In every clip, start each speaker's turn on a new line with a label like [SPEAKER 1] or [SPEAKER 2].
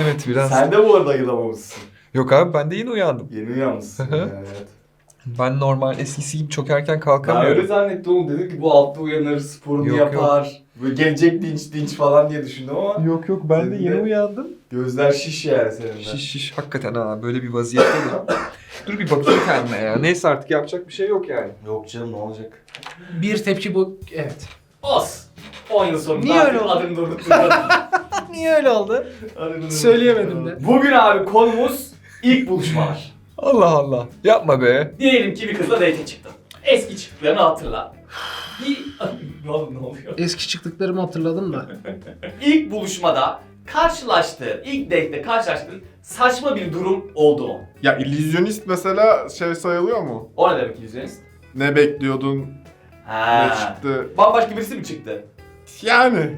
[SPEAKER 1] Evet biraz.
[SPEAKER 2] Sen de bu arada ayılamamışsın.
[SPEAKER 1] Yok abi ben de yine uyandım.
[SPEAKER 2] Yeni uyanmışsın
[SPEAKER 1] Hı hı.
[SPEAKER 2] yani. Evet.
[SPEAKER 1] Ben normal eskisi gibi çok erken
[SPEAKER 2] Ben
[SPEAKER 1] kalkamıyorum.
[SPEAKER 2] öyle zannettim oğlum. Dedim ki bu altta uyanır, sporunu
[SPEAKER 1] Yok,
[SPEAKER 2] yapar. Böyle gelecek dinç falan diye düşündüm ama
[SPEAKER 1] Yok ben de
[SPEAKER 2] Senin
[SPEAKER 1] yeni
[SPEAKER 2] de-
[SPEAKER 1] uyandım.
[SPEAKER 2] gözler şiş yani senin de.
[SPEAKER 1] Şiş hakikaten ha böyle bir vaziyette de. Dur bir bakayım kendime ya. Neyse artık yapacak bir şey yok yani.
[SPEAKER 2] Yok canım ne olacak?
[SPEAKER 3] Bir tepki bu. Evet.
[SPEAKER 2] Os. 10 yıl sonunda
[SPEAKER 3] Niye öyle
[SPEAKER 2] artık
[SPEAKER 3] oldu?
[SPEAKER 2] adını durdurttum.
[SPEAKER 3] Niye öyle oldu?
[SPEAKER 2] Adını
[SPEAKER 3] Söyleyemedim
[SPEAKER 2] durdurttum.
[SPEAKER 3] de.
[SPEAKER 2] Bugün abi konumuz ilk buluşmalar.
[SPEAKER 1] Allah Allah. Yapma be.
[SPEAKER 2] Diyelim ki bir kızla date'e çıktın. Eski çıktıklarını hatırla. Ne oluyor?
[SPEAKER 3] Eski çıktıklarımı hatırladım da.
[SPEAKER 2] İlk buluşmada karşılaştığın, ilk date'de karşılaştığın saçma bir durum oldu mu?
[SPEAKER 4] Ya illüzyonist mesela şey sayılıyor mu?
[SPEAKER 2] O ne demek illüzyonist?
[SPEAKER 4] Ne bekliyordun, ne
[SPEAKER 2] Ha.
[SPEAKER 4] çıktı?
[SPEAKER 2] Bambaşka birisi mi çıktı?
[SPEAKER 4] Yani.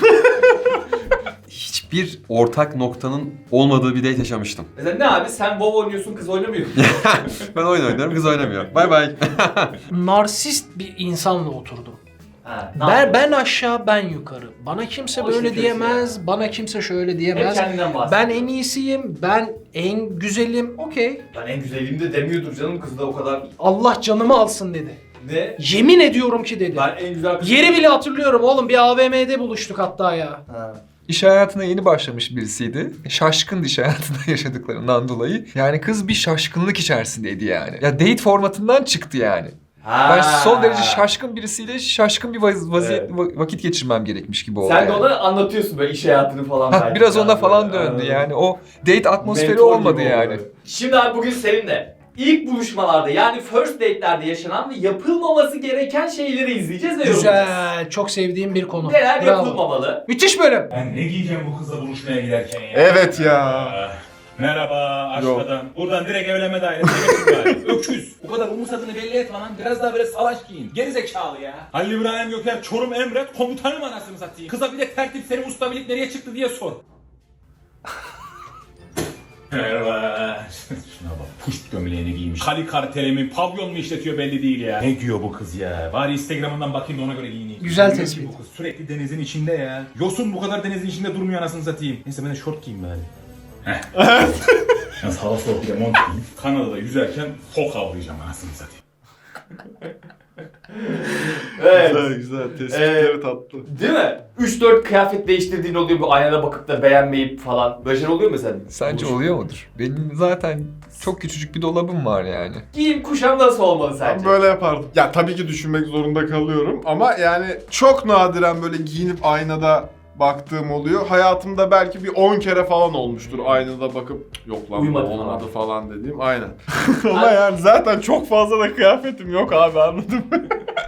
[SPEAKER 5] Hiçbir ortak noktanın olmadığı bir date yaşamıştım.
[SPEAKER 2] Mesela ne abi sen WoW oynuyorsun kız oynamıyor.
[SPEAKER 5] Ben oyun oynuyorum, kız oynamıyor. Bay bay.
[SPEAKER 3] Narsist bir insanla oturdum.
[SPEAKER 2] Ha, ne yapıyorsun?
[SPEAKER 3] Ben aşağı, ben yukarı. Bana kimse
[SPEAKER 2] O
[SPEAKER 3] böyle
[SPEAKER 2] işte
[SPEAKER 3] diyemez, bana kimse şöyle
[SPEAKER 2] Hep
[SPEAKER 3] diyemez.
[SPEAKER 2] kendinden bahsediyor.
[SPEAKER 3] Ben en iyisiyim, ben en güzelim, okey.
[SPEAKER 2] Ben en güzelim de demiyordur canım kız da o kadar.
[SPEAKER 3] Allah canımı alsın dedi.
[SPEAKER 2] Ne?
[SPEAKER 3] Yemin ediyorum ki dedi.
[SPEAKER 2] Ben en güzel kız.
[SPEAKER 3] Yeri bile hatırlıyorum oğlum, bir AVM'de buluştuk hatta ya.
[SPEAKER 2] Ha.
[SPEAKER 1] İş hayatına yeni başlamış birisiydi. Şaşkındı iş hayatında yaşadıklarından dolayı. Yani kız bir şaşkınlık içerisindeydi yani. Ya date formatından çıktı yani. Ben son derece şaşkın birisiyle şaşkın bir
[SPEAKER 2] Evet.
[SPEAKER 1] vakit geçirmem gerekmiş gibi oldu
[SPEAKER 2] Sen de
[SPEAKER 1] yani.
[SPEAKER 2] ona anlatıyorsun böyle iş hayatını falan.
[SPEAKER 1] Ha,
[SPEAKER 2] belki
[SPEAKER 1] biraz ona
[SPEAKER 2] böyle.
[SPEAKER 1] falan döndü
[SPEAKER 2] Anladım.
[SPEAKER 1] yani. O date atmosferi
[SPEAKER 2] Mentor
[SPEAKER 1] olmadı
[SPEAKER 2] gibi
[SPEAKER 1] yani.
[SPEAKER 2] oldu. Şimdi abi bugün seninle ilk buluşmalarda yani first date'lerde yaşanan ve yapılmaması gereken şeyleri izleyeceğiz ve yorumlayacağız.
[SPEAKER 3] Güzel, çok sevdiğim bir konu.
[SPEAKER 2] Neler
[SPEAKER 3] Bravo.
[SPEAKER 2] yapılmamalı?
[SPEAKER 3] Müthiş bölüm.
[SPEAKER 6] Ben ne giyeceğim bu kızla buluşmaya giderken ya?
[SPEAKER 4] Evet ya.
[SPEAKER 6] Merhaba aşkıdan. Buradan direkt evlenme dairesine geçin bari. Öküz. Bu kadar umursadığını belli etme lan. Biraz daha böyle salaş giyin. Geri zekalı ya. Halil İbrahim Göker Çorum Emret komutanım anasını satayım. Kıza bir de tertip senin usta birlik nereye çıktı diye sor. Merhaba. Şuna bak puşt gömleğini giymiş. Kali kartelemi pavyon mu işletiyor belli değil ya. Ne giyiyor bu kız ya? Bari Instagram'ından bakayım da ona göre giyineyim.
[SPEAKER 3] Güzel
[SPEAKER 6] Bilmiyorum
[SPEAKER 3] tespit.
[SPEAKER 6] ki bu kız sürekli denizin içinde ya. Yosun bu kadar denizin içinde durmuyor anasını satayım. Neyse ben de şort giyeyim bari. Heh. Yalnız hava soğuk bir de mont giyeyim. Kanada'da yüzerken fok avlayacağım anasını satayım.
[SPEAKER 2] Evet.
[SPEAKER 4] Güzel güzel. Tespitleri tatlı.
[SPEAKER 2] Değil mi? 3-4 kıyafet değiştirdiğin oluyor bu aynada bakıp da beğenmeyip falan. Böyle şeyler oluyor mu mesela?
[SPEAKER 1] Sence oluyor mudur? Benim zaten çok küçücük bir dolabım var yani.
[SPEAKER 2] Giyim kuşam nasıl olmalı
[SPEAKER 4] Ben
[SPEAKER 2] sence?
[SPEAKER 4] böyle yapardım. Ya tabii ki düşünmek zorunda kalıyorum ama yani çok nadiren böyle giyinip aynada baktığım oluyor. Hayatımda belki bir 10 kere falan olmuştur aynada bakıp yok lan bu
[SPEAKER 2] Uyumadı
[SPEAKER 4] olmadı
[SPEAKER 2] falan.
[SPEAKER 4] falan dediğim. Aynen. Ama yani zaten çok fazla da kıyafetim yok abi anladın mı?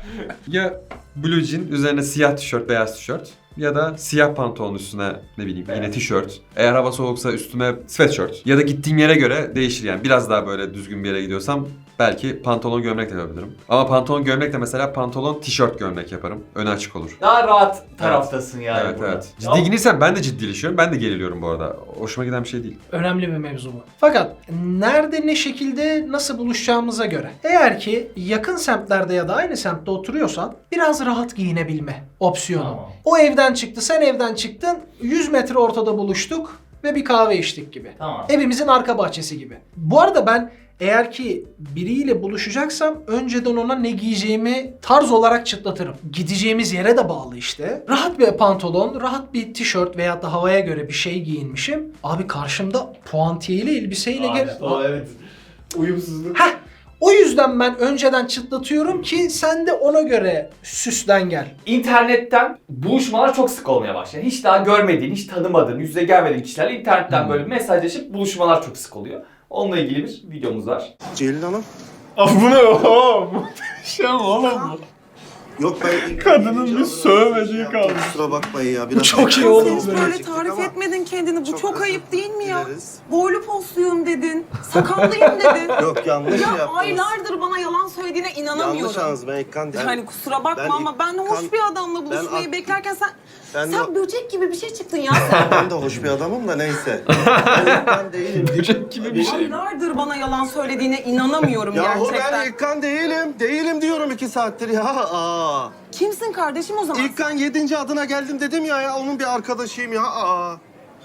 [SPEAKER 5] Ya blue jean, üzerine siyah tişört, beyaz tişört. Ya da siyah pantolon üstüne ne bileyim yine tişört. Eğer hava soğuksa üstüme sweatshirt. Ya da gittiğim yere göre değişir yani. Biraz daha böyle düzgün bir yere gidiyorsam belki pantolon gömlek de yapabilirim. Ama pantolon gömlek de mesela pantolon tişört gömlek yaparım. Önü açık olur.
[SPEAKER 2] Daha rahat taraftasın yani
[SPEAKER 5] Evet
[SPEAKER 2] burada.
[SPEAKER 5] evet.
[SPEAKER 2] Ya-
[SPEAKER 5] Ciddi giyinirsem ben de ciddileşiyorum. Ben de geriliyorum bu arada. Hoşuma giden bir şey değil.
[SPEAKER 3] Önemli bir mevzu bu. Fakat nerede, ne şekilde, nasıl buluşacağımıza göre. Eğer ki yakın semtlerde ya da aynı semtte oturuyorsan biraz rahat giyinebilme opsiyonu.
[SPEAKER 2] Tamam.
[SPEAKER 3] O evden çıktı, sen evden çıktın, 100 metre ortada buluştuk ve bir kahve içtik gibi.
[SPEAKER 2] Tamam.
[SPEAKER 3] Evimizin arka bahçesi gibi. Bu arada ben eğer ki biriyle buluşacaksam önceden ona ne giyeceğimi tarz olarak çıtlatırım. Gideceğimiz yere de bağlı işte. Rahat bir pantolon, rahat bir tişört veyahut da havaya göre bir şey giyinmişim. Abi karşımda puantiyeli elbiseyle
[SPEAKER 2] Aa, işte o, evet. Uyumsuzluk.
[SPEAKER 3] Heh, o yüzden ben önceden çıtlatıyorum ki sen de ona göre süslen gel.
[SPEAKER 2] İnternetten buluşmalar çok sık olmaya başladı. Hiç daha görmediğin, hiç tanımadığın, yüz yüze gelmediğin kişilerle internetten böyle mesajlaşıp buluşmalar çok sık oluyor. Onunla ilgili bir videomuz var.
[SPEAKER 7] Ceylin Hanım.
[SPEAKER 4] Abi bu ne o? Muhteşem oğlum bu.
[SPEAKER 7] Yok ben...
[SPEAKER 4] Kadının bir sövmediği kaldı.
[SPEAKER 7] Kusura bakmayın ya. Biraz
[SPEAKER 3] çok iyi
[SPEAKER 7] Sen
[SPEAKER 3] oldu
[SPEAKER 7] hiç
[SPEAKER 3] böyle.
[SPEAKER 7] böyle
[SPEAKER 8] Tarif etmedin kendini. Bu çok
[SPEAKER 7] özür
[SPEAKER 8] ayıp değil mi ya?
[SPEAKER 7] dileriz.
[SPEAKER 8] Boylu posluyum dedin. Sakallıyım dedin.
[SPEAKER 7] Yok yanlış
[SPEAKER 8] Ya
[SPEAKER 7] yaptınız.
[SPEAKER 8] aylardır bana yalan söylediğine
[SPEAKER 7] Yanlış
[SPEAKER 8] inanamıyorum.
[SPEAKER 7] yalnız ben İlkan...
[SPEAKER 8] Yani kusura bakma
[SPEAKER 7] ben
[SPEAKER 8] ama ben hoş
[SPEAKER 7] İlkan-
[SPEAKER 8] bir adamla buluşmayı
[SPEAKER 7] Ben-
[SPEAKER 8] beklerken sen
[SPEAKER 7] Ben,
[SPEAKER 8] sen böcek gibi bir şey çıktın ya sen.
[SPEAKER 7] ben de hoş bir adamım da neyse. Ben İlkan değilim.
[SPEAKER 1] Böcek gibi bir şey.
[SPEAKER 8] Aylardır bana yalan söylediğine inanamıyorum
[SPEAKER 7] Yahu
[SPEAKER 8] gerçekten.
[SPEAKER 7] ben İlkan değilim. Değilim diyorum 2 saattir ya. Aa.
[SPEAKER 8] Kimsin kardeşim o zaman?
[SPEAKER 7] İlkan 7. adına geldim dedim ya onun bir arkadaşıyım ya. Aa.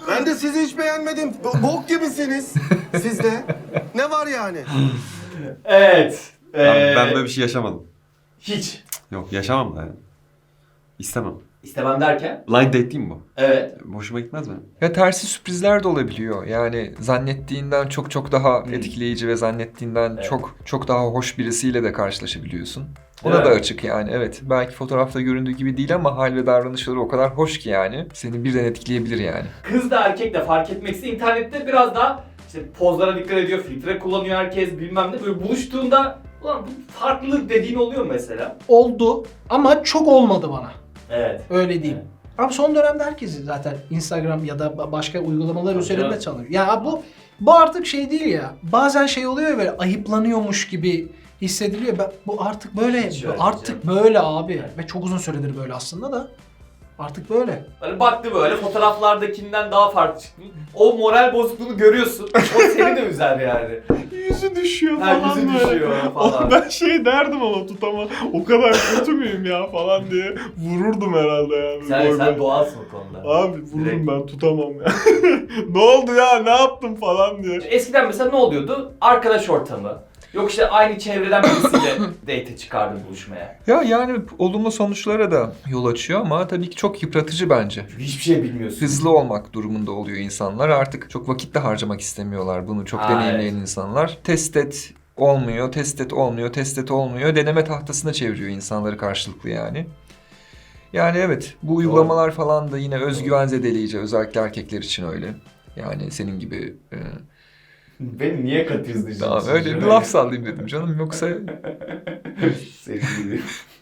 [SPEAKER 7] Ben de sizi hiç beğenmedim. Bok gibisiniz. Siz de. Ne var yani?
[SPEAKER 2] Evet.
[SPEAKER 5] Ben böyle bir şey yaşamadım.
[SPEAKER 2] Hiç.
[SPEAKER 5] Yok yaşamam da yani. İstemem.
[SPEAKER 2] İstemem derken?
[SPEAKER 5] Blind date değil mi bu?
[SPEAKER 2] Evet.
[SPEAKER 5] Hoşuma gitmez benim.
[SPEAKER 1] Ya tersi sürprizler de olabiliyor. Yani zannettiğinden çok daha etkileyici ve zannettiğinden
[SPEAKER 2] Evet.
[SPEAKER 1] çok daha hoş birisiyle de karşılaşabiliyorsun.
[SPEAKER 2] Değil
[SPEAKER 1] Ona da
[SPEAKER 2] mi?
[SPEAKER 1] açık yani, evet. Belki fotoğrafta göründüğü gibi değil ama hal ve davranışları o kadar hoş ki yani. Seni birden etkileyebilir yani.
[SPEAKER 2] Kız da erkek de fark etmeksizin internette biraz daha işte pozlara dikkat ediyor, filtre kullanıyor herkes bilmem ne. Böyle buluştuğunda ulan bu farklı dediğin oluyor mu mesela?
[SPEAKER 3] Oldu ama çok olmadı bana.
[SPEAKER 2] Evet.
[SPEAKER 3] Öyle diyeyim. Abi son dönemde herkes zaten Instagram ya da başka uygulamalar
[SPEAKER 2] Tabii
[SPEAKER 3] üzerinde
[SPEAKER 2] canım.
[SPEAKER 3] çalıyor. Ya bu artık şey değil ya. Bazen şey oluyor ya, böyle ayıplanıyormuş gibi hissediliyor. Bu artık böyle.
[SPEAKER 2] Hiç öyle
[SPEAKER 3] Artık böyle abi. Ve çok uzun süredir böyle aslında da. Artık böyle.
[SPEAKER 2] Hani baktı böyle fotoğraflardakinden daha farklı çıktı. O moral bozukluğunu görüyorsun. O seni de üzer yani.
[SPEAKER 4] Yüzü düşüyor
[SPEAKER 2] Ha,
[SPEAKER 4] falan
[SPEAKER 2] yüzü
[SPEAKER 4] böyle.
[SPEAKER 2] düşüyor falan.
[SPEAKER 4] Ben şey derdim ama tutama o kadar kötü müyüm ya falan diye vururdum herhalde yani.
[SPEAKER 2] Sen doğalsın o konuda.
[SPEAKER 4] Abi vurdum
[SPEAKER 2] Direkt.
[SPEAKER 4] ben tutamam ya. Ne oldu ya ne yaptım falan diye.
[SPEAKER 2] Eskiden mesela ne oluyordu? Arkadaş ortamı. Yok işte aynı çevreden birisiyle date çıkardın buluşmaya.
[SPEAKER 1] Ya yani olumlu sonuçlara da yol açıyor ama tabii ki çok yıpratıcı bence.
[SPEAKER 2] Çünkü hiçbir şey bilmiyorsun.
[SPEAKER 1] Hızlı olmak durumunda oluyor insanlar. Artık çok vakit de harcamak istemiyorlar bunu çok
[SPEAKER 2] Aa,
[SPEAKER 1] deneyimleyen
[SPEAKER 2] evet.
[SPEAKER 1] insanlar. Test et olmuyor, test et olmuyor, test et olmuyor. Deneme tahtasına çeviriyor insanları karşılıklı yani. Yani evet, bu uygulamalar falan da yine özgüven zedeleyici, özellikle erkekler için öyle. Yani senin gibi
[SPEAKER 2] Beni niye katıyorsun?
[SPEAKER 1] daha öyle bir laf sallayayım dedim canım, yoksa
[SPEAKER 2] Sevgili.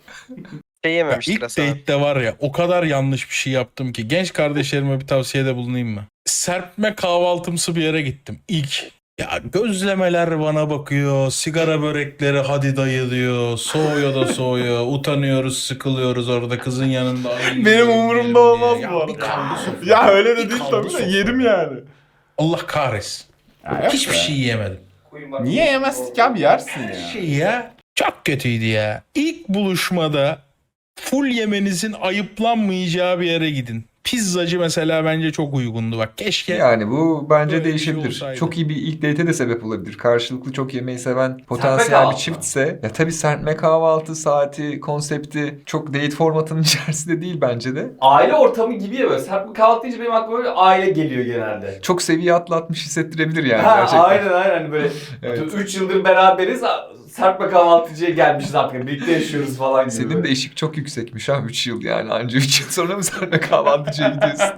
[SPEAKER 9] İlk date'de var ya o kadar yanlış bir şey yaptım ki. Genç kardeşlerime bir tavsiyede bulunayım mı? Serpme kahvaltımsı bir yere gittim. İlk. Ya gözlemeler bana bakıyor. Sigara börekleri hadi dayı diyor. Soğuyor da soğuyor. Utanıyoruz, sıkılıyoruz orada kızın yanında. Ay,
[SPEAKER 4] Benim
[SPEAKER 9] yiyelim
[SPEAKER 4] umurumda
[SPEAKER 9] diye.
[SPEAKER 4] olmaz
[SPEAKER 9] Ya
[SPEAKER 4] bu arada.
[SPEAKER 9] bir kaldı sofra.
[SPEAKER 4] Ya öyle de
[SPEAKER 9] Bir
[SPEAKER 4] değil
[SPEAKER 9] kaldı
[SPEAKER 4] tabii de
[SPEAKER 9] sofra.
[SPEAKER 4] yerim yani.
[SPEAKER 9] Allah kahretsin. Hiçbir şey yiyemedim.
[SPEAKER 4] Niye yemezdik abi yersin ya.
[SPEAKER 9] Şey ya çok kötüydü ya. İlk buluşmada full yemenizin ayıplanmayacağı bir yere gidin. Pizzacı mesela bence çok uygundu bak. Keşke
[SPEAKER 1] yani bu bence
[SPEAKER 9] Böyle bir şey
[SPEAKER 1] değişebilir.
[SPEAKER 9] olsaydı.
[SPEAKER 1] Çok iyi bir ilk date'e de sebep olabilir. Karşılıklı çok yemeği seven potansiyel bir
[SPEAKER 2] kahvaltı.
[SPEAKER 1] çiftse. Ya tabii serpme kahvaltı saati, konsepti çok date formatının içerisinde değil bence de.
[SPEAKER 2] Aile ortamı gibi ya böyle. Serpme kahvaltı deyince benim aklıma böyle aile geliyor genelde.
[SPEAKER 1] Çok seviye atlatmış hissettirebilir yani
[SPEAKER 2] Ha,
[SPEAKER 1] gerçekten.
[SPEAKER 2] aynen hani böyle
[SPEAKER 1] Evet.
[SPEAKER 2] 3 yıldır beraberiz. Serpme kahvaltıcıya gelmişiz artık. Birlikte yaşıyoruz falan gibi.
[SPEAKER 1] Senin
[SPEAKER 2] böyle.
[SPEAKER 1] de eşik çok yüksekmiş ha, 3 yıl yani. Anca 3 yıl sonra mı serpme kahvaltıcıya gidiyorsun?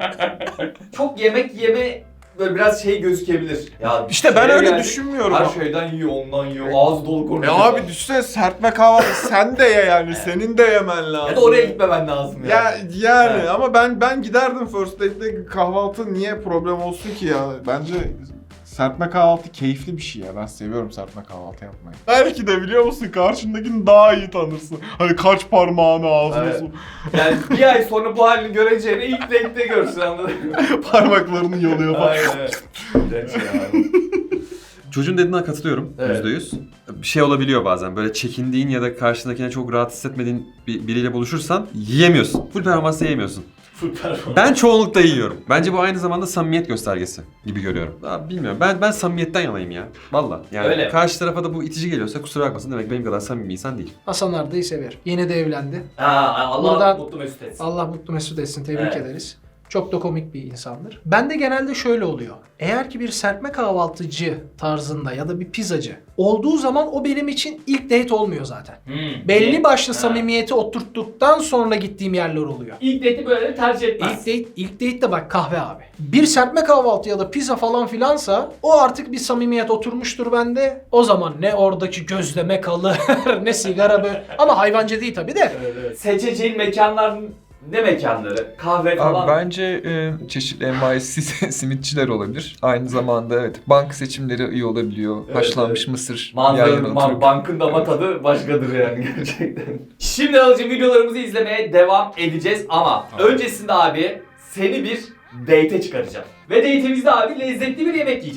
[SPEAKER 2] Çok yemek yeme böyle biraz şey gözükebilir. Ya
[SPEAKER 4] İşte ben
[SPEAKER 2] şeye
[SPEAKER 4] öyle
[SPEAKER 2] geldik,
[SPEAKER 4] düşünmüyorum.
[SPEAKER 2] Her şeyden yiyor, ondan yiyor. Ağzı dolu konuşuyor.
[SPEAKER 4] Abi düşünsene serpme kahvaltı sen de ye yani senin de yemen lazım.
[SPEAKER 2] Ya da oraya gitmemen lazım yani.
[SPEAKER 4] Ya yani
[SPEAKER 2] Evet.
[SPEAKER 4] ama ben giderdim first date'de kahvaltı niye problem olsun ki ya? Bence serpme kahvaltı keyifli bir şey ya. Ben seviyorum serpme kahvaltı yapmayı. Belki de biliyor musun karşındakini daha iyi tanırsın. Hani kaç parmağını ağzına
[SPEAKER 2] Evet.
[SPEAKER 4] sok,
[SPEAKER 2] Yani bir ay sonra bu halini göreceğini ilk date'de görsün anladın mı?
[SPEAKER 4] parmaklarını yalıyor falan.
[SPEAKER 2] Aynen. Gerçi ya.
[SPEAKER 5] Çocuğun dediğine katılıyorum
[SPEAKER 2] Evet.
[SPEAKER 5] %100. Bir şey olabiliyor bazen böyle çekindiğin ya da karşındakine çok rahat hissetmediğin biriyle buluşursan yiyemiyorsun. Full performansla yiyemiyorsun.
[SPEAKER 2] Full performans.
[SPEAKER 5] Ben çoğunlukla yiyorum. Bence bu aynı zamanda samimiyet göstergesi gibi görüyorum. Abi bilmiyorum. Ben samimiyetten yanayım ya. Valla. Yani
[SPEAKER 2] Öyle.
[SPEAKER 5] karşı tarafa da bu itici geliyorsa kusura bakmasın, demek benim kadar samimi bir insan değil.
[SPEAKER 3] Hasan Arda'yı sever. Yeni de evlendi.
[SPEAKER 2] Ha, Allah
[SPEAKER 3] Buradan-
[SPEAKER 2] mutlu mesut etsin.
[SPEAKER 3] Allah mutlu mesut etsin. Tebrik
[SPEAKER 2] Evet.
[SPEAKER 3] ederiz. Çok da komik bir insandır. Ben de genelde şöyle oluyor. Eğer ki bir serpme kahvaltıcı tarzında ya da bir pizzacı olduğu zaman o benim için ilk date olmuyor zaten. Belli başlı
[SPEAKER 2] Ha.
[SPEAKER 3] samimiyeti oturttuktan sonra gittiğim yerler oluyor.
[SPEAKER 2] İlk date'i böyle tercih etmez.
[SPEAKER 3] İlk date de bak kahve abi. Bir serpme kahvaltı ya da pizza falan filansa o artık bir samimiyet oturmuştur bende. O zaman ne oradaki gözleme kalır ne sigara böyle. Ama hayvancı değil tabii de.
[SPEAKER 2] Seçeceğin mekanlar ne mekanları? Kahve falan.
[SPEAKER 1] Abi bence çeşitli envai simitçiler olabilir. Aynı zamanda evet, bank seçimleri iyi olabiliyor.
[SPEAKER 2] Evet,
[SPEAKER 1] Haşlanmış
[SPEAKER 2] evet.
[SPEAKER 1] mısır yan yana
[SPEAKER 2] Manzaranın,
[SPEAKER 1] oturup.
[SPEAKER 2] bankın dama tadı başkadır yani gerçekten. Şimdi alıcı videolarımızı izlemeye devam edeceğiz ama öncesinde abi seni bir date'e çıkaracağım. Ve date'imizde abi lezzetli bir yemek yiyeceğiz.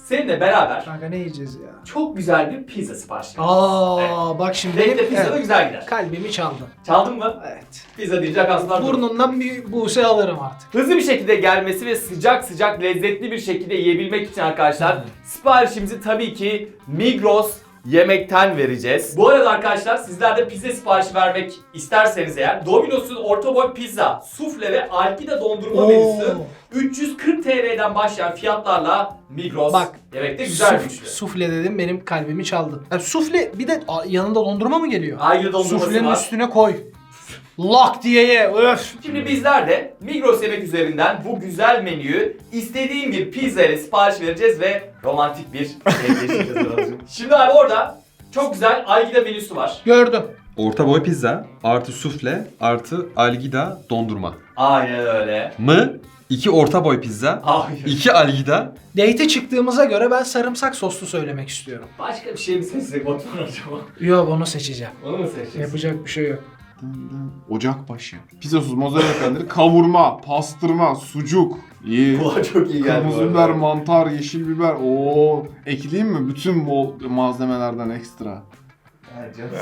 [SPEAKER 2] seninle beraber
[SPEAKER 3] Kanka ne yiyeceğiz ya?
[SPEAKER 2] çok güzel bir pizza sipariş vereceğiz.
[SPEAKER 3] Bak şimdi
[SPEAKER 2] Date'de pizza da
[SPEAKER 3] evet,
[SPEAKER 2] güzel gider.
[SPEAKER 3] kalbimi çaldın.
[SPEAKER 2] Çaldın mı?
[SPEAKER 3] Evet.
[SPEAKER 2] Pizza deyince aslında
[SPEAKER 3] Burnundan bir buse alırım artık.
[SPEAKER 2] hızlı bir şekilde gelmesi ve sıcak sıcak lezzetli bir şekilde yiyebilmek için arkadaşlar siparişimizi tabii ki Migros Yemek'ten vereceğiz. Bu arada arkadaşlar sizler de pizza siparişi vermek isterseniz eğer Domino's'un orta boy pizza, sufle ve Alpida dondurma menüsü 340 TL'den başlayan fiyatlarla Migros
[SPEAKER 3] Bak,
[SPEAKER 2] Yemek'te güzel bir üçlü.
[SPEAKER 3] Sufle dedim benim kalbimi çaldın. Yani sufle bir de yanında dondurma mı geliyor?
[SPEAKER 2] Ayrı dondurması
[SPEAKER 3] Suflenin
[SPEAKER 2] var.
[SPEAKER 3] üstüne koy. Lak diye ye. Öf.
[SPEAKER 2] Şimdi bizler de Migros Yemek üzerinden bu güzel menüyü istediğin bir pizza ile sipariş vereceğiz ve romantik bir şey yaşayacağız. Şimdi abi orada çok güzel Algida menüsü var.
[SPEAKER 3] Gördüm.
[SPEAKER 5] Orta boy pizza artı sufle artı algida dondurma.
[SPEAKER 2] Aynen öyle.
[SPEAKER 5] Mı? 2 orta boy pizza.
[SPEAKER 2] Hayır.
[SPEAKER 5] 2 algida.
[SPEAKER 3] Date'e çıktığımıza göre ben sarımsak soslu söylemek istiyorum.
[SPEAKER 2] Başka bir şey mi seçsek Batuhan acaba?
[SPEAKER 3] Yok onu seçeceğim.
[SPEAKER 2] Onu mu seçeceksin?
[SPEAKER 3] Yapacak bir şey yok.
[SPEAKER 4] Ocakbaşı. Pizzasız mozzarella peyniri, kavurma, pastırma, sucuk. İyi.
[SPEAKER 2] Kulağa çok iyi geldi.
[SPEAKER 4] Kırmızı biber, mantar, yeşil biber. Oo, ekleyeyim mi? Bütün bol malzemelerden ekstra.
[SPEAKER 2] Evet canım.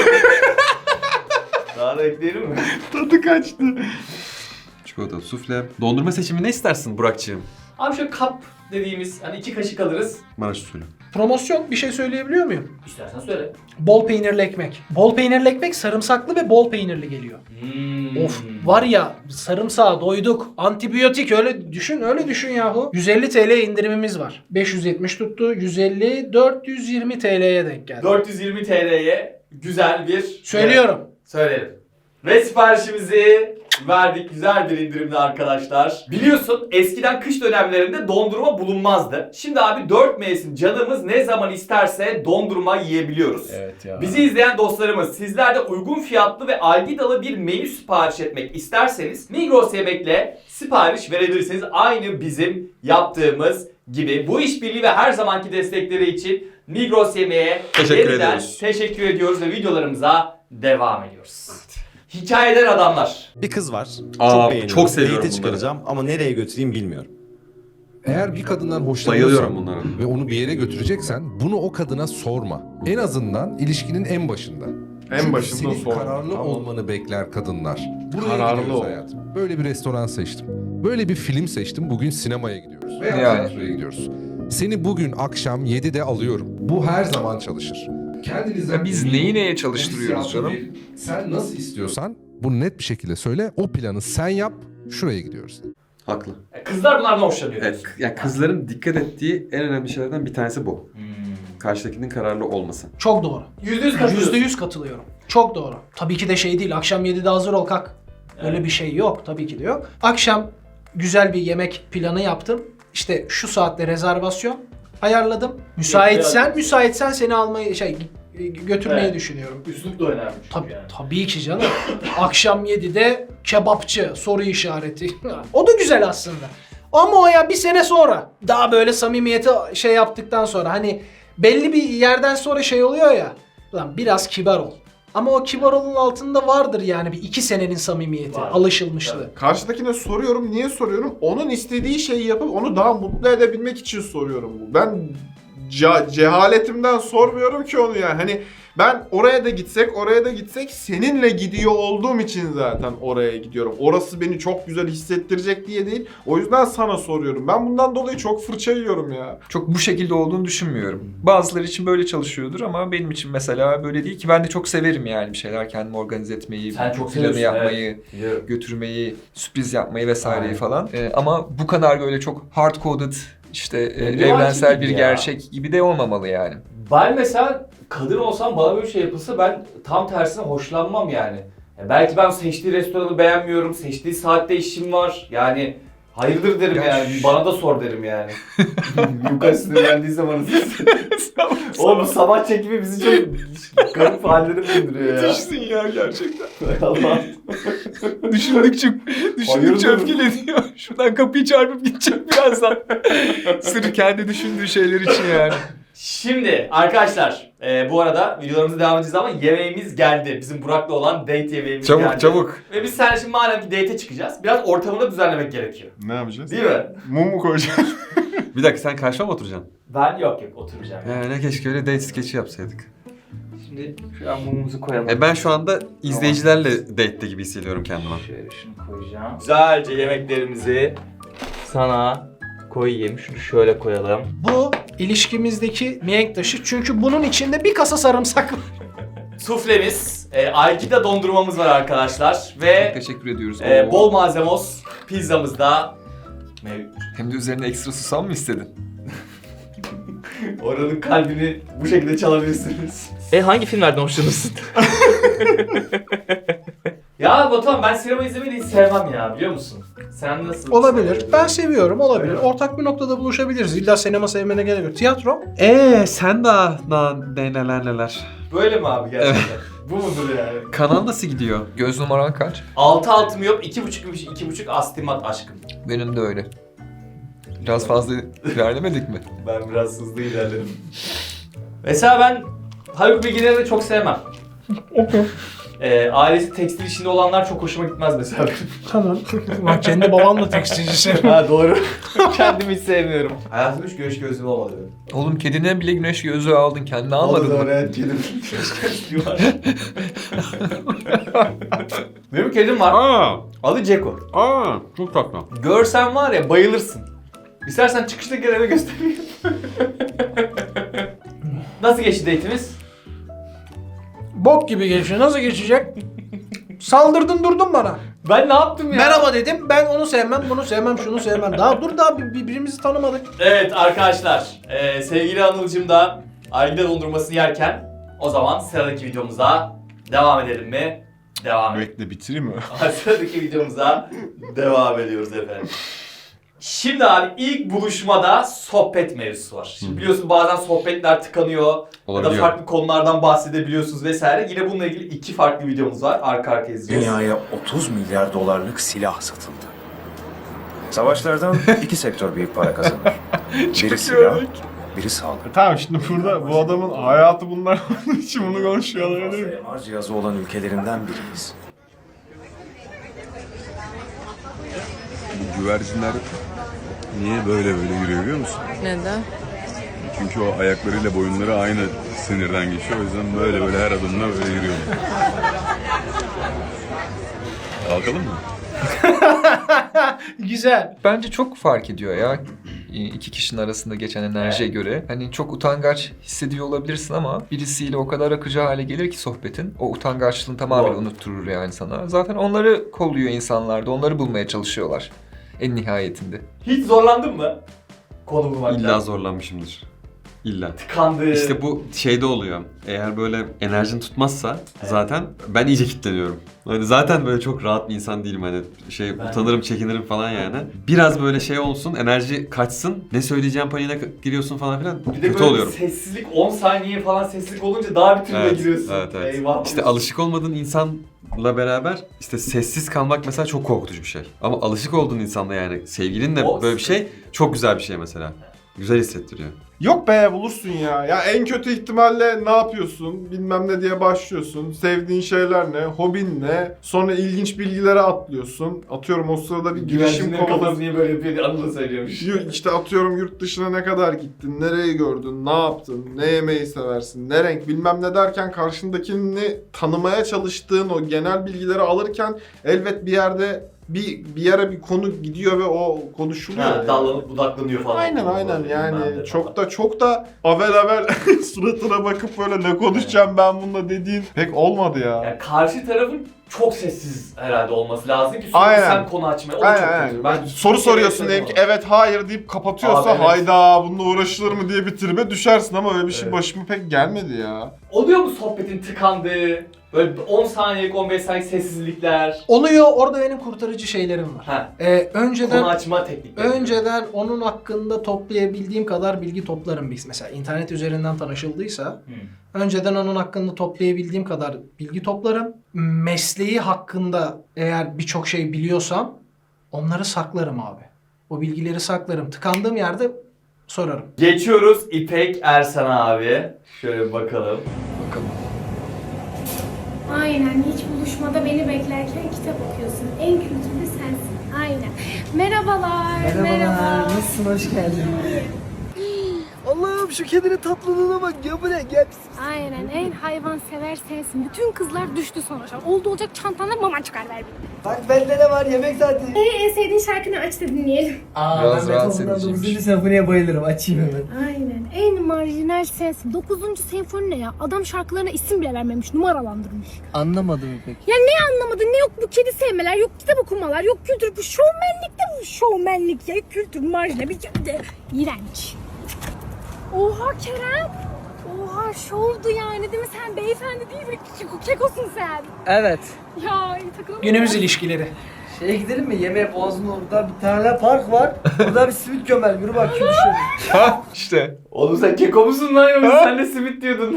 [SPEAKER 2] Daha da ekleyelim mi?
[SPEAKER 4] Tadı kaçtı.
[SPEAKER 5] Çikolatalı sufle. Dondurma seçimi ne istersin Burak'cığım?
[SPEAKER 2] Abi şöyle kap dediğimiz hani 2 kaşık alırız.
[SPEAKER 5] Maraş usulü.
[SPEAKER 3] Promosyon bir şey söyleyebiliyor muyum?
[SPEAKER 2] İstersen söyle.
[SPEAKER 3] Bol peynirli ekmek. Bol peynirli ekmek sarımsaklı ve bol peynirli geliyor. Of var ya sarımsağa doyduk. Antibiyotik öyle düşün yahu. 150 TL indirimimiz var. 570 tuttu. 150 420 TL'ye denk geldi.
[SPEAKER 2] 420 TL'ye güzel bir...
[SPEAKER 3] Söylüyorum.
[SPEAKER 2] Söyleyelim. Ve siparişimizi verdik. Güzel bir indirimli arkadaşlar. Biliyorsun eskiden kış dönemlerinde dondurma bulunmazdı. Şimdi abi 4 mevsim canımız ne zaman isterse dondurma yiyebiliyoruz.
[SPEAKER 1] Evet ya.
[SPEAKER 2] Bizi izleyen dostlarımız sizler de uygun fiyatlı ve algidalı bir menü sipariş etmek isterseniz Migros Yemek'le sipariş verebilirsiniz. Aynı bizim yaptığımız gibi. Bu işbirliği ve her zamanki destekleri için Migros Yemek'e
[SPEAKER 5] Teşekkür
[SPEAKER 2] yeniden
[SPEAKER 5] ediyoruz.
[SPEAKER 2] teşekkür ediyoruz ve videolarımıza devam ediyoruz. Hikayeden adamlar.
[SPEAKER 10] Bir kız var.
[SPEAKER 5] Aa,
[SPEAKER 10] çok beğeniyorum.
[SPEAKER 5] çok seviyorum
[SPEAKER 10] Date'e
[SPEAKER 5] bunları.
[SPEAKER 10] çıkaracağım ama nereye götüreyim bilmiyorum.
[SPEAKER 11] Eğer bir kadından
[SPEAKER 5] Bayılıyorum
[SPEAKER 11] hoşlanıyorsan
[SPEAKER 5] bunlara.
[SPEAKER 11] ve onu bir yere götüreceksen bunu o kadına sorma. En azından ilişkinin en başında. Çünkü
[SPEAKER 4] başında
[SPEAKER 11] senin
[SPEAKER 4] sorma.
[SPEAKER 11] kararlı
[SPEAKER 4] Tamam.
[SPEAKER 11] olmanı bekler kadınlar. Buraya
[SPEAKER 4] Kararlı
[SPEAKER 11] gidiyoruz
[SPEAKER 4] ol.
[SPEAKER 11] hayatım. Böyle bir restoran seçtim. Böyle bir film seçtim. Bugün sinemaya gidiyoruz. Veya
[SPEAKER 1] Yani.
[SPEAKER 11] tiyatroya gidiyoruz. Seni bugün akşam 7'de alıyorum. Bu her zaman çalışır. Kendinizden
[SPEAKER 1] Ya biz
[SPEAKER 11] emin
[SPEAKER 1] neyi
[SPEAKER 11] olun.
[SPEAKER 1] neye
[SPEAKER 11] Bu
[SPEAKER 1] çalıştırıyoruz
[SPEAKER 11] hissiyatı
[SPEAKER 1] canım?
[SPEAKER 11] verin. Sen nasıl istiyorsan bunu net bir şekilde söyle. O planı sen yap. Şuraya gidiyoruz.
[SPEAKER 5] Haklı.
[SPEAKER 2] Kızlar bunlardan hoşlanıyor.
[SPEAKER 5] Evet, ya kızların dikkat ettiği en önemli şeylerden bir tanesi bu. Karşıdakinin kararlı olması.
[SPEAKER 3] Çok doğru.
[SPEAKER 2] %100 katılıyorsun.
[SPEAKER 3] %100 katılıyorum. Çok doğru. Tabii ki de şey değil. Akşam 7'de hazır ol kalk. Öyle bir şey yok. Tabii ki de yok. Akşam güzel bir yemek planı yaptım. İşte şu saatte rezervasyon ayarladım. Müsaitsen seni almayı götürmeyi
[SPEAKER 2] Evet.
[SPEAKER 3] düşünüyorum.
[SPEAKER 2] Üslup da önemli çünkü
[SPEAKER 3] Tabii,
[SPEAKER 2] yani.
[SPEAKER 3] tabii ki canım. Akşam 7'de kebapçı soru işareti. O da güzel aslında. Ama o ya bir sene sonra daha böyle samimiyeti şey yaptıktan sonra hani belli bir yerden sonra şey oluyor ya. Lan biraz kibar ol. Ama o kibar olun altında vardır yani bir 2 senenin samimiyeti,
[SPEAKER 2] Var.
[SPEAKER 3] alışılmışlığı.
[SPEAKER 4] Karşıdakine soruyorum. Niye soruyorum? Onun istediği şeyi yapıp onu daha mutlu edebilmek için soruyorum bu. Ben cehaletimden sormuyorum ki onu yani. Hani ben oraya da gitsek seninle gidiyor olduğum için zaten oraya gidiyorum. Orası beni çok güzel hissettirecek diye değil. O yüzden sana soruyorum. Ben bundan dolayı çok fırça yiyorum ya.
[SPEAKER 1] Çok bu şekilde olduğunu düşünmüyorum. Bazıları için böyle çalışıyordur ama benim için mesela böyle değil ki. Ben de çok severim yani bir şeyler kendimi organize etmeyi,
[SPEAKER 2] Sen çok
[SPEAKER 1] planı
[SPEAKER 2] seviyorsun,
[SPEAKER 1] yapmayı,
[SPEAKER 2] Biliyorum.
[SPEAKER 1] götürmeyi, sürpriz yapmayı vesaireyi
[SPEAKER 2] Aynen.
[SPEAKER 1] falan. Ama bu kadar böyle çok hard coded işte
[SPEAKER 2] Ne
[SPEAKER 1] evrensel
[SPEAKER 2] var ki
[SPEAKER 1] bir
[SPEAKER 2] ya?
[SPEAKER 1] gerçek gibi de olmamalı yani.
[SPEAKER 2] Ben mesela kadın olsam bana böyle bir şey yapılsa ben tam tersine hoşlanmam yani. Belki ben seçtiği restoranı beğenmiyorum, seçtiği saatte işim var. Yani hayırdır derim
[SPEAKER 1] Ya
[SPEAKER 2] yani, bana da sor derim yani. Yukarı sinirlendiyse bana Oğlum bu sabah çekimi bizi çok garip hallere döndürüyor ya.
[SPEAKER 1] Müthişsin ya gerçekten.
[SPEAKER 2] Allah.
[SPEAKER 1] Düşündükçe
[SPEAKER 2] Hayırdır?
[SPEAKER 1] öfkeleniyor. Şuradan kapıyı çarpıp gidecek birazdan. Sırf kendi düşündüğü şeyler için yani.
[SPEAKER 2] Şimdi arkadaşlar bu arada videolarımıza devam edeceğiz ama yemeğimiz geldi. Bizim Burak'la olan date yemeğimiz geldi.
[SPEAKER 1] Çabuk çabuk.
[SPEAKER 2] Ve biz seninle şimdi madem ki date'e çıkacağız biraz ortamını da düzenlemek gerekiyor.
[SPEAKER 4] Ne yapacağız?
[SPEAKER 2] Değil mi?
[SPEAKER 4] Mum mu koyacağız?
[SPEAKER 5] Bir dakika sen karşıma mı oturacaksın?
[SPEAKER 2] Ben yok oturacağım.
[SPEAKER 5] Ne keşke öyle date skeçi yapsaydık.
[SPEAKER 2] Şimdi şu an mumumuzu koyalım.
[SPEAKER 5] Ben şu anda izleyicilerle date'te gibi hissediyorum kendimi.
[SPEAKER 2] Şöyle şunu koyacağım. Güzelce yemeklerimizi sana koyayım. Şunu şöyle koyalım.
[SPEAKER 3] Bu ilişkimizdeki mihenk taşı çünkü bunun içinde bir kasa sarımsak var.
[SPEAKER 2] Suflemiz, Aygida dondurmamız var arkadaşlar ve
[SPEAKER 1] Teşekkür ediyoruz.
[SPEAKER 2] bol malzemos pizzamız da mevcut.
[SPEAKER 1] Hem de üzerine ekstra susam mı istedin?
[SPEAKER 2] Oranın kalbini bu şekilde çalabilirsiniz. Hangi filmlerden hoşlanırsın? Ya Batuhan ben sinema izlemeyi de hiç sevmem ya biliyor musun? Sen nasıl?
[SPEAKER 3] Olabilir. Ben seviyorum, olabilir. Ortak bir noktada buluşabiliriz. İlla sinema sevmene gerek yok. Tiyatro.
[SPEAKER 5] Sen daha neler.
[SPEAKER 2] Böyle mi abi gerçekten? Bu mudur yani?
[SPEAKER 5] Kanal nasıl gidiyor?
[SPEAKER 1] Göz numaran kaç?
[SPEAKER 2] 6 miyop, 2,5 astigmat aşkım.
[SPEAKER 1] Benim de öyle. Biraz fazla ilerlemedik mi?
[SPEAKER 2] Ben biraz hızlı ilerledim. Mesela ben Haluk Bilginer'i de çok sevmem. Ailesi tekstil işinde olanlar çok hoşuma gitmez mesela.
[SPEAKER 3] Tamam. Bak kendi babam da tekstilcisi.
[SPEAKER 2] Ha doğru. Kendimi hiç sevmiyorum. Hayatımda hiç güneş gözlüğüm olmadı benim.
[SPEAKER 1] Oğlum kedine bile güneş gözlüğü aldın. Kendine almadın mı?
[SPEAKER 2] Evet kedim. Güneş gözlüğü var. Benim kedim var. Adı Ceko.
[SPEAKER 5] Çok tatlı.
[SPEAKER 2] Görsen var ya bayılırsın. İstersen çıkışta gel eve göstereyim. Nasıl geçti date'imiz?
[SPEAKER 3] Bok gibi geçiyor. Nasıl geçecek? Saldırdın durdun bana.
[SPEAKER 2] Ben ne yaptım ya?
[SPEAKER 3] Merhaba dedim. Ben onu sevmem, bunu sevmem, şunu sevmem. Daha dur daha birbirimizi tanımadık.
[SPEAKER 2] Evet arkadaşlar, sevgili Anıl'cım da Aygida dondurmasını yerken o zaman sıradaki videomuza devam edelim mi? Devam edelim.
[SPEAKER 4] Bekle bitireyim mi?
[SPEAKER 2] Sıradaki videomuza devam ediyoruz efendim. Şimdi abi ilk buluşmada sohbet mevzusu var. Şimdi biliyorsun bazen sohbetler tıkanıyor ya da
[SPEAKER 5] Olabiliyor.
[SPEAKER 2] farklı konulardan bahsedebiliyorsunuz vesaire. Yine bununla ilgili 2 farklı videomuz var. Arka arkaya izleyeceğiz.
[SPEAKER 10] Dünyaya 30 milyar dolarlık silah satıldı. Savaşlardan iki sektör büyük para kazanır. Biri silah, biri sağlık.
[SPEAKER 4] Tamam şimdi burada bu adamın hayatı bunlar olduğu için bunu konuşuyorlar değil mi?
[SPEAKER 10] MR cihazı olan ülkelerinden biriyiz.
[SPEAKER 11] Bu güvercinler niye böyle yürüyor biliyor musun?
[SPEAKER 8] Neden?
[SPEAKER 11] Çünkü o ayaklarıyla boyunları aynı sinirden geçiyor. O yüzden böyle her adımla böyle yürüyor. Kalkalım mı?
[SPEAKER 3] Güzel.
[SPEAKER 1] Bence çok fark ediyor ya. İki kişinin arasında geçen enerjiye göre. Hani çok utangaç hissediyor olabilirsin ama birisiyle o kadar akıcı hale gelir ki sohbetin. O utangaçlığını tamamen
[SPEAKER 2] Doğru.
[SPEAKER 1] unutturur yani sana. Zaten onları kolluyor insanlar da. Onları bulmaya çalışıyorlar. En nihayetinde.
[SPEAKER 2] Hiç zorlandın mı? Konu bulmakta.
[SPEAKER 5] İlla zorlanmışımdır. İlla.
[SPEAKER 2] Tıkandı.
[SPEAKER 5] İşte bu şeyde oluyor. Eğer böyle enerjin tutmazsa zaten ben iyice kilitleniyorum. Hani zaten böyle çok rahat bir insan değilim hani utanırım, çekinirim falan yani. Biraz böyle şey olsun, enerji kaçsın, ne söyleyeceğim paniğine giriyorsun falan filan.
[SPEAKER 2] Bir de
[SPEAKER 5] Kötü
[SPEAKER 2] böyle
[SPEAKER 5] oluyorum.
[SPEAKER 2] sessizlik 10 saniye falan sessizlik olunca daha bir türlü giriyorsun.
[SPEAKER 5] Evet.
[SPEAKER 2] Eyvah.
[SPEAKER 5] İşte alışık olmadığın insanla beraber işte sessiz kalmak mesela çok korkutucu bir şey. Ama alışık olduğun insanla yani sevgilinle
[SPEAKER 2] O-
[SPEAKER 5] böyle bir şey çok güzel bir şey mesela. Güzel hissettiriyor.
[SPEAKER 4] Yok be bulursun ya. Ya en kötü ihtimalle ne yapıyorsun? Bilmem ne diye başlıyorsun. Sevdiğin şeyler ne? Hobin ne? Sonra ilginç bilgilere atlıyorsun. Atıyorum o sırada bir girişim
[SPEAKER 2] Güvercinlerin kafası
[SPEAKER 4] kovalıyorsun.
[SPEAKER 2] niye böyle yapıyor? Anıl da söylüyormuş.
[SPEAKER 4] İşte atıyorum yurt dışına ne kadar gittin, nereyi gördün, ne yaptın, ne yemeği seversin, ne renk bilmem ne derken karşındakini tanımaya çalıştığın o genel bilgileri alırken elbet bir yerde bir yere bir konu gidiyor ve o konuşuluyor.
[SPEAKER 2] Ha,
[SPEAKER 4] yani.
[SPEAKER 2] dallanıp budaklanıyor falan.
[SPEAKER 4] Aynen yani çok da avel suratına bakıp böyle ne konuşacağım ben bununla dediğin pek olmadı ya.
[SPEAKER 2] Yani karşı tarafın çok sessiz herhalde olması lazım ki sürekli
[SPEAKER 4] Aynen.
[SPEAKER 2] sen konu açmaya. O da çok
[SPEAKER 4] Aynen.
[SPEAKER 2] kötü.
[SPEAKER 4] Ben soru soruyorsun diyelim ki evet hayır deyip kapatıyorsa
[SPEAKER 2] Abi, evet.
[SPEAKER 4] hayda bununla uğraşılır mı diye bir tribe düşersin ama öyle bir şey
[SPEAKER 2] Evet.
[SPEAKER 4] başıma pek gelmedi ya.
[SPEAKER 2] Oluyor mu sohbetin tıkandığı, böyle 10 saniyelik 15 saniyelik sessizlikler?
[SPEAKER 3] Oluyor. Orada benim kurtarıcı şeylerim var.
[SPEAKER 2] Ha.
[SPEAKER 3] Önceden
[SPEAKER 2] Konu açma teknikleri.
[SPEAKER 3] Önceden onun hakkında toplayabildiğim kadar bilgi toplarım biz. Mesela internet üzerinden tanışıldıysa önceden onun hakkında toplayabildiğim kadar bilgi toplarım. Mesleği hakkında eğer birçok şey biliyorsam onları saklarım abi. O bilgileri saklarım. Tıkandığım yerde sorarım.
[SPEAKER 2] Geçiyoruz İpek Ersan abi. Şöyle bir bakalım.
[SPEAKER 12] Aynen, hiç buluşmada beni beklerken kitap okuyorsun. En kültürlü sensin. Aynen. Merhabalar. Merhaba.
[SPEAKER 3] Nasılsın? Hoş geldin.
[SPEAKER 7] Allah'ım şu kedinin tatlılığına bak ya, bu ne? Gel.
[SPEAKER 12] Aynen, en hayvansever sensin. Bütün kızlar düştü sonra. Oldu olacak çantana mama çıkar ver bir.
[SPEAKER 7] Bak bende ne var, yemek saati.
[SPEAKER 12] En sevdiğin şarkını aç da dinleyelim.
[SPEAKER 1] Biraz rahatsız ediciymiş.
[SPEAKER 7] senfoniye bayılırım, açayım hemen.
[SPEAKER 12] Aynen, en marjinal sensin. 9. senfoni ne ya? Adam şarkılarına isim bile vermemiş, numaralandırmış.
[SPEAKER 7] Anlamadım pek.
[SPEAKER 12] Ya ne anlamadın? Ne yok bu kedi sevmeler, yok kitap okumalar, yok kültür. Bu şovmenlik de bu şovmenlik ya. Kültür marjinal bir de iğrenç. Oha Kerem. Oha şovdu yani değil mi? Sen beyefendi değil mi? Kekosun sen.
[SPEAKER 7] Evet.
[SPEAKER 12] Ya takılalım.
[SPEAKER 3] Günümüz ilişkileri.
[SPEAKER 7] Şeye gidelim mi? Yemeğe Boğaz'ın orada bir tane park var. Burada bir simit gömer. Yürü bakayım şöyle.
[SPEAKER 1] Ha işte.
[SPEAKER 2] Oğlum sen keko musun lan yoksa sen de simit diyordun.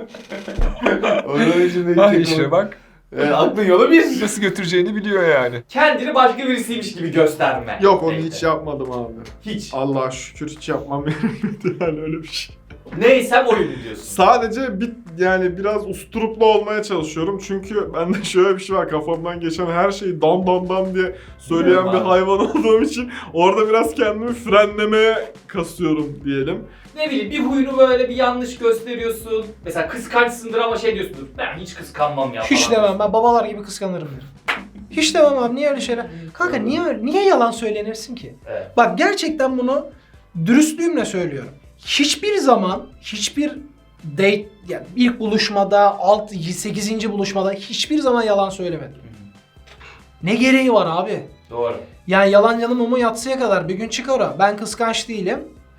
[SPEAKER 2] Onun için
[SPEAKER 1] Ha işte bak.
[SPEAKER 2] Aklın yolu bir.
[SPEAKER 1] Nasıl götüreceğini biliyor yani.
[SPEAKER 2] Kendini başka birisiymiş gibi gösterme.
[SPEAKER 4] Yok onu
[SPEAKER 2] Neyse.
[SPEAKER 4] hiç yapmadım abi.
[SPEAKER 2] Hiç.
[SPEAKER 4] Allah'a şükür hiç yapmam gerekmedi yani öyle bir şey.
[SPEAKER 2] Neysem oyunu diyorsun.
[SPEAKER 4] Sadece yani biraz usturuplu olmaya çalışıyorum. Çünkü bende şöyle bir şey var. Kafamdan geçen her şeyi dan dan dan diye söyleyen bir hayvan olduğum için orada biraz kendimi frenlemeye kasıyorum diyelim.
[SPEAKER 2] Ne bileyim bir huyunu böyle bir yanlış gösteriyorsun. Mesela kıskançsındır ama şey diyorsundur. Ben hiç kıskanmam ya
[SPEAKER 3] Hiç
[SPEAKER 2] falan.
[SPEAKER 3] demem, ben babalar gibi kıskanırım derim. Hiç demem abi, niye öyle şeyler? Kanka niye yalan söylenirsin ki?
[SPEAKER 2] Evet.
[SPEAKER 3] Bak gerçekten bunu dürüstlüğümle söylüyorum. Hiçbir zaman, hiçbir date, yani ilk buluşmada, 8. buluşmada hiçbir zaman yalan söylemedim. Ne gereği var abi?
[SPEAKER 2] Doğru.
[SPEAKER 3] Yani yalan mumu yatsıya kadar bir gün çıkar o. Ben kıskanç değilim.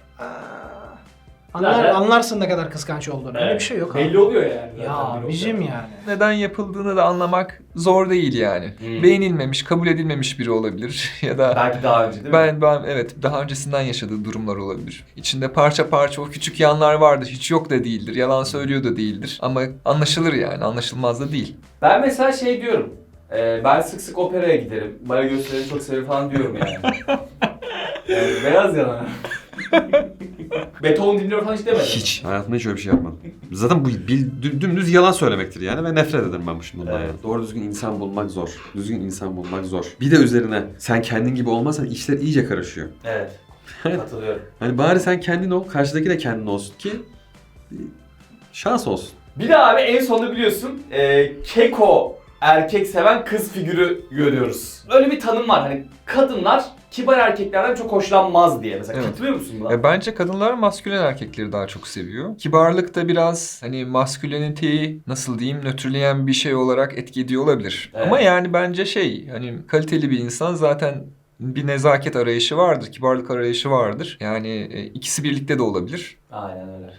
[SPEAKER 2] Zaten-
[SPEAKER 3] Anlarsın ne kadar kıskanç olduğunu. Öyle
[SPEAKER 2] Evet.
[SPEAKER 3] bir şey yok abi.
[SPEAKER 2] Belli oluyor yani. zaten
[SPEAKER 3] Ya
[SPEAKER 2] bir
[SPEAKER 3] bizim
[SPEAKER 2] noktada.
[SPEAKER 3] yani.
[SPEAKER 1] Neden yapıldığını da anlamak zor değil yani. Beğenilmemiş, kabul edilmemiş biri olabilir ya da
[SPEAKER 2] Belki daha önce değil mi?
[SPEAKER 1] ben evet daha öncesinden yaşadığı durumlar olabilir. İçinde parça parça o küçük yanlar vardır. Hiç yok da değildir. Yalan söylüyor da değildir. Ama anlaşılır yani. Anlaşılmaz da değil.
[SPEAKER 2] Ben mesela şey diyorum. Ben sık sık operaya giderim. Bana gösterileri çok severim falan diyorum yani. Yani beyaz yalan. Beethoven dinliyor falan hiç demedim.
[SPEAKER 5] Hiç. Hayatımda hiç öyle bir şey yapmadım. Zaten bu dümdüz yalan söylemektir yani ve nefret ederim ben bundan
[SPEAKER 2] Evet.
[SPEAKER 5] yani. Doğru düzgün insan bulmak zor. Düzgün insan bulmak zor. Bir de üzerine sen kendin gibi olmazsan işler iyice karışıyor.
[SPEAKER 2] Evet. Katılıyorum.
[SPEAKER 5] Hani bari sen kendin ol, karşıdaki de kendin olsun ki şans olsun.
[SPEAKER 2] Bir de abi en sonunda biliyorsun keko erkek seven kız figürü görüyoruz. Öyle bir tanım var hani kadınlar kibar erkeklerden çok hoşlanmaz diye. Mesela
[SPEAKER 1] Evet.
[SPEAKER 2] katılıyor musun buna?
[SPEAKER 1] Bence kadınlar maskülen erkekleri daha çok seviyor. Kibarlık da biraz hani masküleniteyi nasıl diyeyim nötrleyen bir şey olarak etki ediyor olabilir.
[SPEAKER 2] Evet.
[SPEAKER 1] Ama yani bence hani kaliteli bir insan zaten bir nezaket arayışı vardır, kibarlık arayışı vardır. Yani ikisi birlikte de olabilir.
[SPEAKER 2] Aynen öyle.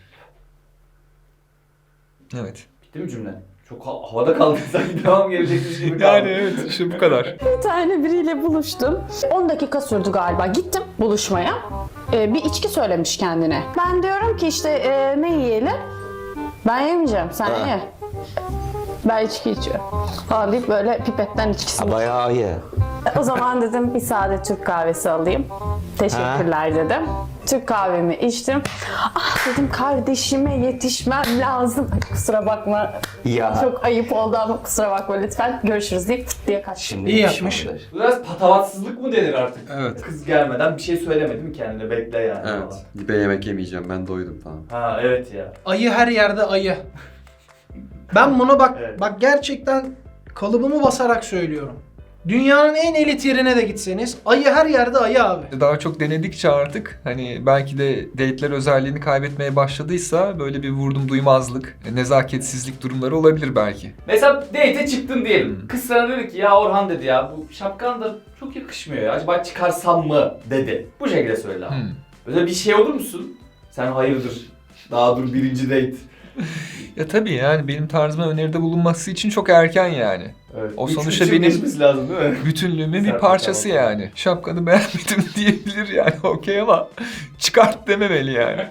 [SPEAKER 1] Evet.
[SPEAKER 2] Bitti mi cümle? Çok havada kaldı sanki devam gelecekmiş gibi kaldı.
[SPEAKER 1] Yani evet işte bu kadar.
[SPEAKER 8] Bir tane biriyle buluştum. 10 dakika sürdü galiba. Gittim buluşmaya. Bir içki söylemiş kendine. Ben diyorum ki işte ne yiyelim? Ben yemeyeceğim, sen ye. Ben içki içiyorum. Falan deyip böyle pipetten içkisini.
[SPEAKER 7] Bayağı iyi.
[SPEAKER 8] O zaman dedim bir sade Türk kahvesi alayım. Teşekkürler dedim. Türk kahvemi içtim. Ah dedim kardeşime yetişmem lazım. Ay, kusura bakma.
[SPEAKER 7] Ya.
[SPEAKER 8] Çok ayıp oldu ama kusura bakma lütfen. Görüşürüz deyip tık diye kaçtım.
[SPEAKER 3] İyi yapmış.
[SPEAKER 2] Bu biraz patavatsızlık mı denir artık?
[SPEAKER 5] Evet.
[SPEAKER 2] Kız gelmeden bir şey söylemedi mi kendine? Bekle yani.
[SPEAKER 5] Evet.
[SPEAKER 2] falan.
[SPEAKER 5] Ben yemek yemeyeceğim, ben doydum falan.
[SPEAKER 2] Ha evet ya.
[SPEAKER 3] Ayı her yerde ayı. Ben bunu
[SPEAKER 2] Evet.
[SPEAKER 3] bak gerçekten kalıbımı basarak söylüyorum. Dünyanın en elit yerine de gitseniz ayı her yerde ayı abi.
[SPEAKER 1] Daha çok denedikçe artık hani belki de date'ler özelliğini kaybetmeye başladıysa böyle bir vurdum duymazlık, nezaketsizlik durumları olabilir belki.
[SPEAKER 2] Mesela date'e çıktın diyelim. Kız sana dedi ki ya Orhan dedi ya bu şapkan da çok yakışmıyor ya. Acaba çıkarsam mı dedi. Bu şekilde söyle abi. Böyle bir şey olur musun? Sen hayırdır? Daha dur birinci date.
[SPEAKER 1] Ya tabii yani benim tarzıma öneride bulunması için çok erken yani.
[SPEAKER 2] Evet.
[SPEAKER 1] O
[SPEAKER 2] Üç
[SPEAKER 1] sonuçta
[SPEAKER 2] yıl
[SPEAKER 1] benim
[SPEAKER 2] geçmesi lazım değil mi?
[SPEAKER 1] bütünlüğümün bir
[SPEAKER 2] Serpil
[SPEAKER 1] parçası
[SPEAKER 2] tamam.
[SPEAKER 1] yani. Şapkanı beğenmedim diyebilir yani okey ama çıkart dememeli yani.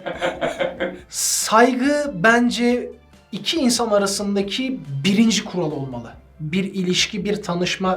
[SPEAKER 3] Saygı bence iki insan arasındaki birinci kural olmalı. Bir ilişki, bir tanışma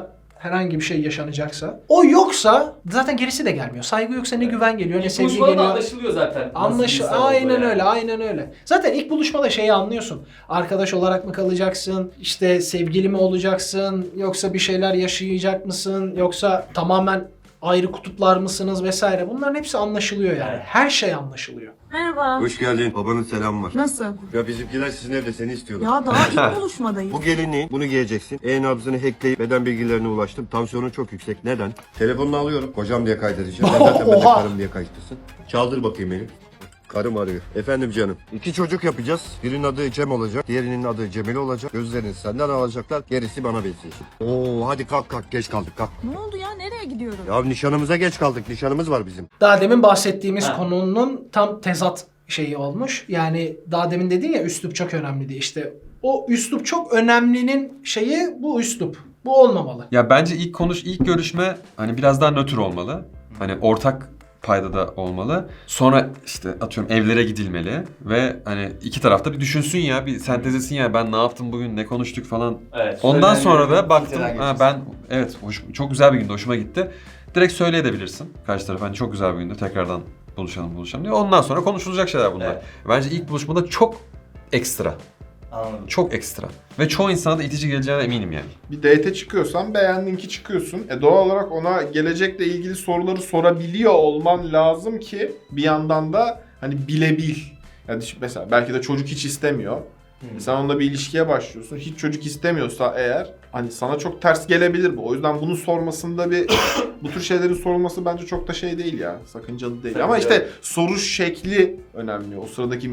[SPEAKER 3] herhangi bir şey yaşanacaksa. O yoksa zaten gerisi de gelmiyor. Saygı yoksa ne güven geliyor ne
[SPEAKER 2] İlk
[SPEAKER 3] sevgi
[SPEAKER 2] buluşmada da
[SPEAKER 3] geliyor.
[SPEAKER 2] anlaşılıyor zaten. nasıl bir insan olduğu
[SPEAKER 3] Aynen
[SPEAKER 2] yani.
[SPEAKER 3] öyle, aynen öyle. Zaten ilk buluşmada şeyi anlıyorsun. Arkadaş olarak mı kalacaksın? İşte sevgili mi olacaksın? Yoksa bir şeyler yaşayacak mısın? Yoksa tamamen ayrı kutuplar mısınız vesaire. Bunların hepsi anlaşılıyor yani. Her şey anlaşılıyor.
[SPEAKER 12] Merhaba.
[SPEAKER 10] Hoş geldin. Babanın selamı var.
[SPEAKER 12] Nasıl?
[SPEAKER 10] Ya bizimkiler sizin evde seni istiyorlar.
[SPEAKER 12] Ya daha ilk buluşmadayız.
[SPEAKER 10] Bu gelinliği, bunu giyeceksin. E-nabzını hackleyip beden bilgilerine ulaştım. Tansiyonun çok yüksek. Neden? Telefonunu alıyorum. Kocam diye kaydedeceğim. Ben zaten ben de
[SPEAKER 3] Oha!
[SPEAKER 10] karım diye kayıtlısın. Çaldır bakayım beni. Karım arıyor. Efendim canım. 2 çocuk yapacağız. Birinin adı Cem olacak. Diğerinin adı Cemil olacak. Gözlerini senden alacaklar. Gerisi bana benziyor. Oo hadi kalk geç kaldık kalk.
[SPEAKER 12] Ne oldu ya? Nereye gidiyoruz?
[SPEAKER 10] Ya nişanımıza geç kaldık. Nişanımız var bizim.
[SPEAKER 3] Daha demin bahsettiğimiz
[SPEAKER 2] Ha.
[SPEAKER 3] konunun tam tezat şeyi olmuş. Yani daha demin dedin ya üslup çok önemli diye. İşte o üslup çok önemlinin şeyi bu üslup. Bu olmamalı.
[SPEAKER 5] Ya bence ilk görüşme hani biraz daha nötr olmalı. Hani ortak paydada olmalı. Sonra işte atıyorum evlere gidilmeli ve hani iki tarafta bir düşünsün ya, bir sentezlesin ya ben ne yaptım bugün, ne konuştuk falan.
[SPEAKER 2] Evet,
[SPEAKER 5] Ondan sonra da
[SPEAKER 2] söylenenleri
[SPEAKER 5] baktım
[SPEAKER 2] filtreden
[SPEAKER 5] ha, ben evet çok güzel bir gündü, hoşuma gitti. Direkt söyleyebilirsin karşı tarafa, hani çok güzel bir gündü, tekrardan buluşalım diye. Ondan sonra konuşulacak şeyler bunlar.
[SPEAKER 2] Evet.
[SPEAKER 5] Bence ilk buluşmada çok ekstra.
[SPEAKER 2] Anladım.
[SPEAKER 5] Çok ekstra. Ve çoğu insana da itici geleceğine eminim yani.
[SPEAKER 4] Bir date çıkıyorsan beğendin ki çıkıyorsun. Doğal olarak ona gelecekle ilgili soruları sorabiliyor olman lazım ki bir yandan da hani bilebil. Yani mesela belki de çocuk hiç istemiyor. Sen onunla bir ilişkiye başlıyorsun. Hiç çocuk istemiyorsa eğer hani sana çok ters gelebilir bu. O yüzden bunu sormasında bu tür şeylerin sorulması bence çok da şey değil ya. Sakıncalı değil.
[SPEAKER 2] Tabii
[SPEAKER 4] Ama işte
[SPEAKER 2] evet.
[SPEAKER 4] soru şekli önemli. O sıradaki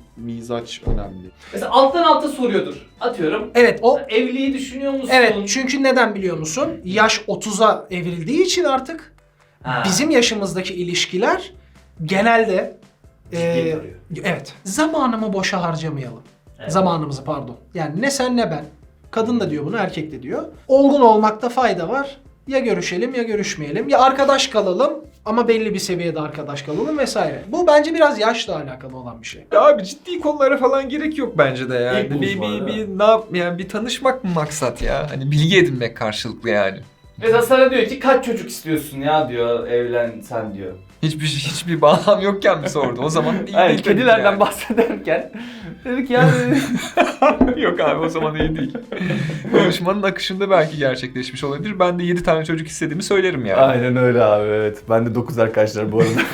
[SPEAKER 4] mizaç önemli.
[SPEAKER 2] Mesela alttan alta soruyordur. Atıyorum.
[SPEAKER 3] Evet o
[SPEAKER 2] Evliliği düşünüyor musun?
[SPEAKER 3] evet çünkü neden biliyor musun? Yaş 30'a evrildiği için artık
[SPEAKER 2] Ha.
[SPEAKER 3] bizim yaşımızdaki ilişkiler genelde
[SPEAKER 2] Ciddiyet arıyor.
[SPEAKER 3] evet zamanımı boşa harcamayalım.
[SPEAKER 2] Evet.
[SPEAKER 3] Zamanımızı pardon. Yani ne sen ne ben. Kadın da diyor bunu, erkek de diyor. Olgun olmakta fayda var. Ya görüşelim ya görüşmeyelim. Ya arkadaş kalalım ama belli bir seviyede arkadaş kalalım vesaire. Bu bence biraz yaşla alakalı olan bir şey.
[SPEAKER 1] Ya abi ciddi konulara falan gerek yok bence de yani.
[SPEAKER 2] İlk buluşmada.
[SPEAKER 1] Bir tanışmak mı maksat ya? Hani bilgi edinmek karşılıklı yani.
[SPEAKER 2] Mesela sana diyor ki kaç çocuk istiyorsun ya diyor, evlen sen diyor.
[SPEAKER 1] Hiçbir bağlam yokken mi sordu? O zaman iyi
[SPEAKER 2] Yani
[SPEAKER 1] değil tabii
[SPEAKER 2] kedilerden
[SPEAKER 1] yani.
[SPEAKER 2] bahsederken dedik yani
[SPEAKER 1] Yok abi o zaman iyi değil. Konuşmanın akışında belki gerçekleşmiş olabilir. Ben de 7 tane çocuk istediğimi söylerim yani.
[SPEAKER 2] Aynen öyle abi, evet. Ben de 9 arkadaşlar bu arada.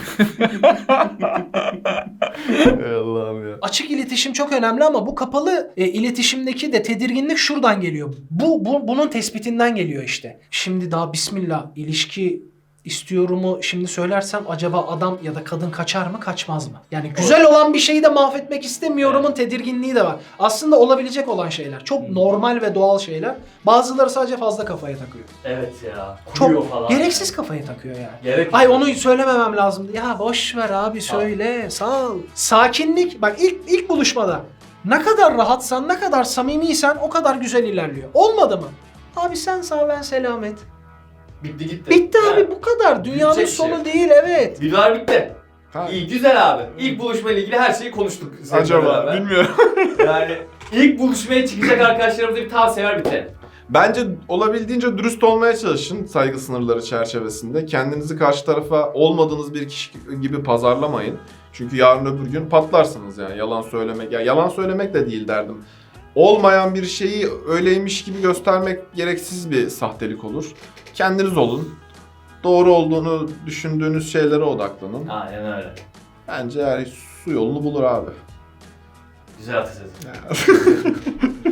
[SPEAKER 2] Ey Allah'ım ya.
[SPEAKER 3] Açık iletişim çok önemli ama bu kapalı iletişimdeki de tedirginlik şuradan geliyor. Bunun tespitinden geliyor işte. Şimdi daha bismillah ilişki istiyorumu şimdi söylersem acaba adam ya da kadın kaçar mı kaçmaz mı? Yani güzel olan bir şeyi de mahvetmek istemiyorumun tedirginliği de var. Aslında olabilecek olan şeyler. Çok normal ve doğal şeyler. Bazıları sadece fazla kafaya takıyor.
[SPEAKER 2] Evet ya. Kuruyor
[SPEAKER 3] Çok
[SPEAKER 2] falan.
[SPEAKER 3] gereksiz kafaya takıyor yani.
[SPEAKER 2] Gerek
[SPEAKER 3] Ay
[SPEAKER 2] yok.
[SPEAKER 3] onu söylememem lazımdı. Ya boş ver abi söyle. Sağ ol. Sakinlik. Bak ilk buluşmada ne kadar rahatsan, ne kadar samimiysen o kadar güzel ilerliyor. Olmadı mı? Abi sen sağ ben selamet.
[SPEAKER 2] Bitti gitti.
[SPEAKER 3] Bitti abi
[SPEAKER 2] Yani
[SPEAKER 3] bu kadar. Dünyanın
[SPEAKER 2] bitecek
[SPEAKER 3] sonu
[SPEAKER 2] şey.
[SPEAKER 3] değil evet.
[SPEAKER 2] Videolar bitti.
[SPEAKER 4] Ha.
[SPEAKER 2] İyi, güzel abi. İlk buluşma ile ilgili her şeyi konuştuk. seninle
[SPEAKER 4] Acaba
[SPEAKER 2] beraber.
[SPEAKER 4] bilmiyorum.
[SPEAKER 2] Yani ilk buluşmaya çıkacak arkadaşlarımıza bir tavsiye ver bitirelim.
[SPEAKER 4] Bence olabildiğince dürüst olmaya çalışın saygı sınırları çerçevesinde. Kendinizi karşı tarafa olmadığınız bir kişi gibi pazarlamayın. Çünkü yarın öbür gün patlarsınız yani yalan söylemek. Ya yalan söylemek de değil derdim. Olmayan bir şeyi öyleymiş gibi göstermek gereksiz bir sahtelik olur. Kendiniz olun. Doğru olduğunu düşündüğünüz şeylere odaklanın.
[SPEAKER 2] Aynen öyle.
[SPEAKER 4] Bence yani su yolunu bulur abi.
[SPEAKER 2] Güzel atasözü.